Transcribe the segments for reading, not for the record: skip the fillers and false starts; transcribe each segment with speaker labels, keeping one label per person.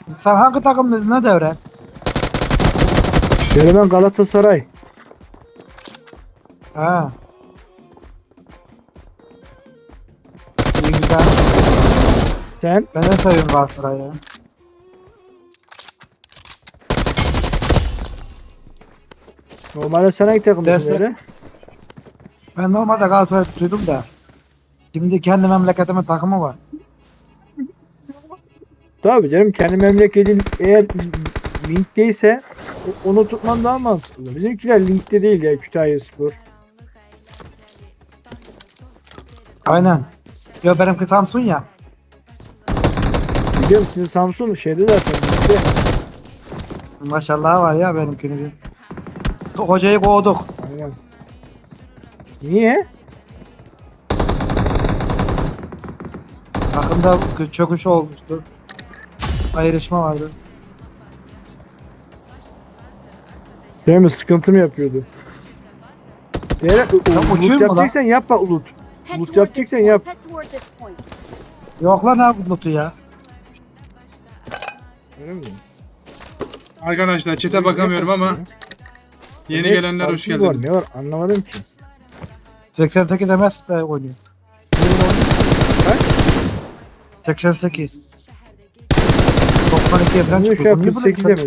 Speaker 1: Sen hangi takımdaydın ne devre?
Speaker 2: Ben Galatasaray.
Speaker 1: Ha. İyi güzel.
Speaker 2: Sen?
Speaker 1: Ben de seviyorum Galatasaray'ı.
Speaker 2: Normalde sen hangi takımdasın
Speaker 1: Destek.
Speaker 2: öyle?
Speaker 1: Ben normalde Galatasaray tutuyordum da. Şimdi kendi memleketimin takımı var.
Speaker 2: Tabii canım, kendi memleketin eğer linkteyse onu tutman daha mantıklı. Bizimkiler linkte değil ya, Kütahyaspor.
Speaker 1: Aynen. Yo benimki Samsun ya.
Speaker 2: Biliyorum, sizin Samsun şeyde zaten linkte.
Speaker 1: Maşallah var ya benimkini. Hocayı kovduk.
Speaker 2: Aynen. Niye?
Speaker 1: Takımda çöküş olmuştu. Ayrışma vardı.
Speaker 2: Değil mi? Sıkıntı mı yapıyordu? Eğer
Speaker 1: uçuyor
Speaker 2: ulut
Speaker 1: mu lan?
Speaker 2: yapacaksan yapma ulut.
Speaker 3: Head
Speaker 2: Ulut
Speaker 3: toward this
Speaker 2: yapacaksan
Speaker 3: point.
Speaker 2: yap.
Speaker 3: Head toward this point.
Speaker 1: Yok lan ne Lut'u ya.
Speaker 2: Öyle mi?
Speaker 4: Arkadaşlar çete bakamıyorum ama yeni
Speaker 2: Ne
Speaker 4: gelenler hoş
Speaker 2: farkı var,
Speaker 4: geldiniz.
Speaker 2: ne var anlamadım ki.
Speaker 1: 88 MS de oynuyor.
Speaker 2: Kaç?
Speaker 1: 88. 92'ye falan
Speaker 2: Niye şu
Speaker 1: çıkıyor.
Speaker 2: an
Speaker 1: Niye
Speaker 2: 48
Speaker 1: böyle-
Speaker 2: demez?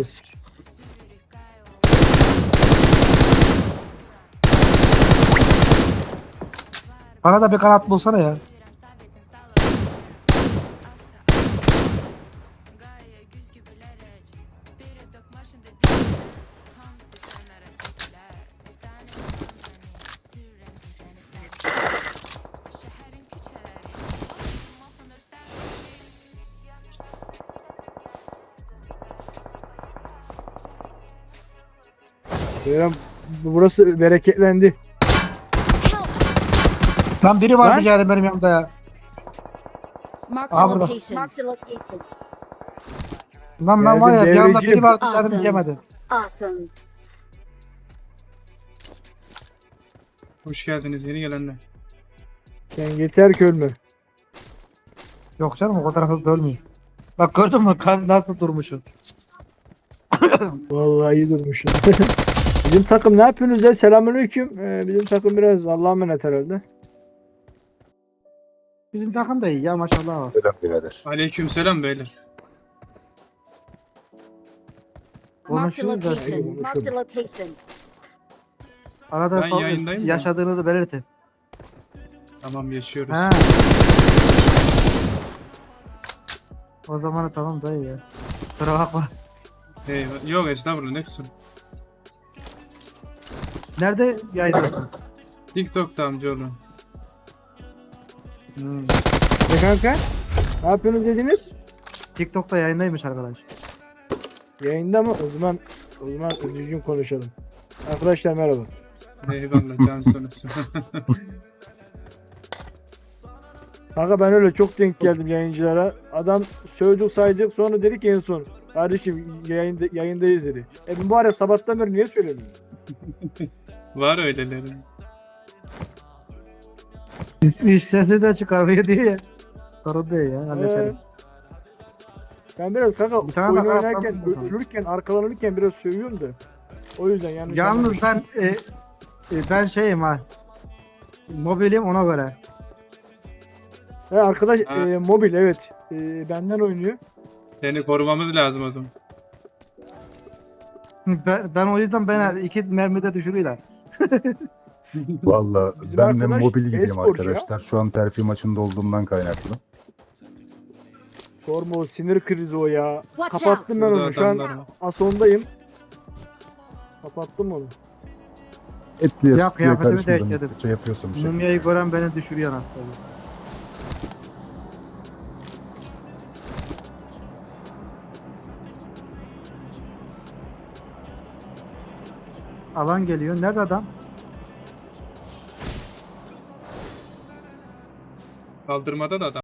Speaker 1: Bana da bir kanat bulsana ya.
Speaker 2: Beyler, burası bereketlendi.
Speaker 1: Lan biri var
Speaker 2: Lan?
Speaker 1: rica benim yanımda ya.
Speaker 3: Marked
Speaker 1: Aha
Speaker 3: a
Speaker 1: burada.
Speaker 3: location. Marked a location.
Speaker 1: Lan ben var ya bir
Speaker 2: Geldim,
Speaker 1: yanımda
Speaker 2: devreciğim.
Speaker 1: biri var
Speaker 3: Awesome.
Speaker 1: canım yemedi.
Speaker 3: Awesome.
Speaker 4: Hoş geldiniz yeni gelenler.
Speaker 2: Sen yeter ki ölme.
Speaker 1: Yok canım o kadar hızlı ölmüyor. Bak gördün mü nasıl durmuşum.
Speaker 2: Vallahi iyi durmuşsun. Bizim takım ne yapıyorsunuz ya? Selamünaleyküm. Bizim takım biraz Allah'a emanet herhalde.
Speaker 1: Bizim takım da iyi ya maşallah var.
Speaker 5: Selam birader.
Speaker 4: Aleykümselam beyler.
Speaker 3: Marked a
Speaker 1: Konuşuyoruz da
Speaker 3: location. Marked a location.
Speaker 1: arada
Speaker 4: Ben yayındayım da.
Speaker 1: yaşadığınızı belirtin.
Speaker 4: Tamam yaşıyoruz.
Speaker 1: Ha. O zaman tamam dayı ya. Kusura bakma.
Speaker 4: Eyvah. Yok estağfurullah ne kusur.
Speaker 1: Nerede yayınlıyorsun?
Speaker 4: TikTok'ta amcaoğlu.
Speaker 2: Ne kanka? Ne yapıyorsunuz dediniz?
Speaker 1: TikTok'ta yayındaymış arkadaş.
Speaker 2: Yayında mı? O zaman düzgün konuşalım. Arkadaşlar merhaba.
Speaker 4: Eyvallah can sonrası.
Speaker 2: Kanka ben öyle çok denk geldim yayıncılara. Adam sövdük saydık, sonra dedik en son. Kardeşim yayındayız dedi. Ben bu ara sabahtan beri niye söylemiyorum?
Speaker 4: Var öyleleri.
Speaker 1: İş sesi de çıkarmıyor diye ya. Sorun değil ya halledelim.
Speaker 2: Ben biraz kanka
Speaker 1: Bir tane
Speaker 2: oyun
Speaker 1: daha
Speaker 2: oynarken,
Speaker 1: yapalım.
Speaker 2: ölürken, arkalanırken biraz sövüyorum da. O yüzden yanlış
Speaker 1: Yalnız
Speaker 2: anlamayın.
Speaker 1: ben şeyim ha. Mobilim ona göre.
Speaker 2: He, arkadaş
Speaker 4: Ha.
Speaker 2: mobil evet. Benden oynuyor.
Speaker 4: Seni korumamız lazım o zaman.
Speaker 1: Ben o yüzden beni iki mermide düşürüyorlar.
Speaker 5: Valla
Speaker 2: Bizim
Speaker 5: ben de
Speaker 2: arkadaş
Speaker 5: mobil gibiyim
Speaker 2: e-sporcu ya.
Speaker 5: arkadaşlar. Şu an terfi maçında olduğumdan kaynaklı.
Speaker 2: Sorma, o sinir krizi o ya.
Speaker 3: Watch
Speaker 2: Kapattım ben
Speaker 4: Burada
Speaker 2: onu şu an.
Speaker 4: adamlar var.
Speaker 2: Asondayım. Kapattım onu.
Speaker 5: Etliye
Speaker 1: Ya,
Speaker 5: sütlüye
Speaker 1: kıyafetimi
Speaker 5: karışmadan
Speaker 1: değiştirdim.
Speaker 5: müddetçe yapıyorsun bir şey.
Speaker 1: Mumyayı gören beni düşürüyor aslında. Alan geliyor. Nerede adam?
Speaker 4: Kaldırmada da adam.